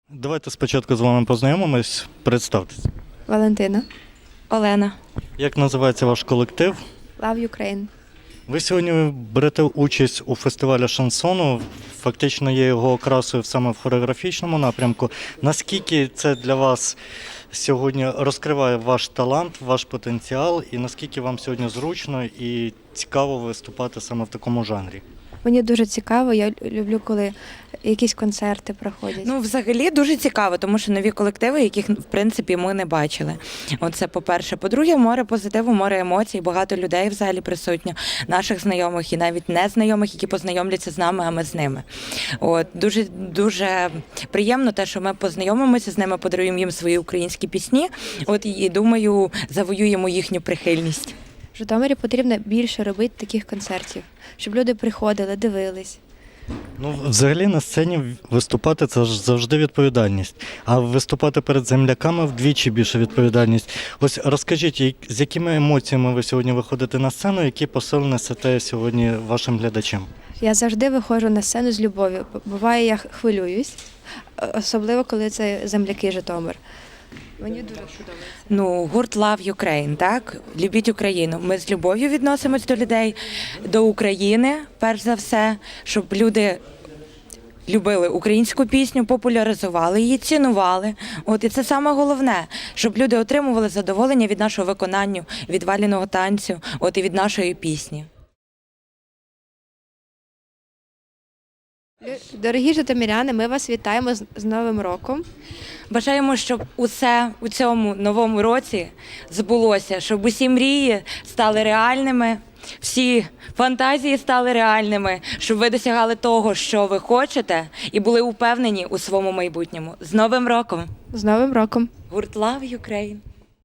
Давайте спочатку з вами познайомимось. Представтесь. Валентина. Олена. Як називається ваш колектив? Love Ukraine. Ви сьогодні берете участь у фестивалі шансону. Фактично є його окрасою саме в хореографічному напрямку. Наскільки це для вас сьогодні розкриває ваш талант, ваш потенціал, і наскільки вам сьогодні зручно і цікаво виступати саме в такому жанрі? Мені дуже цікаво, я люблю, коли якісь концерти проходять. Ну, взагалі дуже цікаво, тому що нові колективи, яких, в принципі, ми не бачили. Оце по-перше. По-друге, море позитиву, море емоцій, багато людей взагалі присутньо, наших знайомих і навіть незнайомих, які познайомляться з нами, а ми з ними. От, дуже приємно те, що ми познайомимося з ними, подаруємо їм свої українські пісні, от, і, думаю, завоюємо їхню прихильність. В Житомирі потрібно більше робити таких концертів, щоб люди приходили, дивились. Ну, взагалі на сцені виступати – це ж завжди відповідальність. А виступати перед земляками – вдвічі більше відповідальність. Ось розкажіть, з якими емоціями ви сьогодні виходите на сцену, які посил несете сьогодні вашим глядачам? Я завжди виходжу на сцену з любов'ю. Буває, я хвилююсь, особливо, коли це земляки Житомир. Мені дуже подобається. Ну, гурт Love Ukraine, так? Любіть Україну. Ми з любов'ю відносимось до людей, до України, перш за все, щоб люди любили українську пісню, популяризували її, цінували. От, і це саме головне, щоб люди отримували задоволення від нашого виконання, від валяного танцю, от, і від нашої пісні. Дорогі житомиряни, ми вас вітаємо з Новим роком. Бажаємо, щоб усе у цьому новому році збулося, щоб усі мрії стали реальними, всі фантазії стали реальними, щоб ви досягали того, що ви хочете, і були упевнені у своєму майбутньому. З Новим роком! З Новим роком! Гурт Love Ukraine!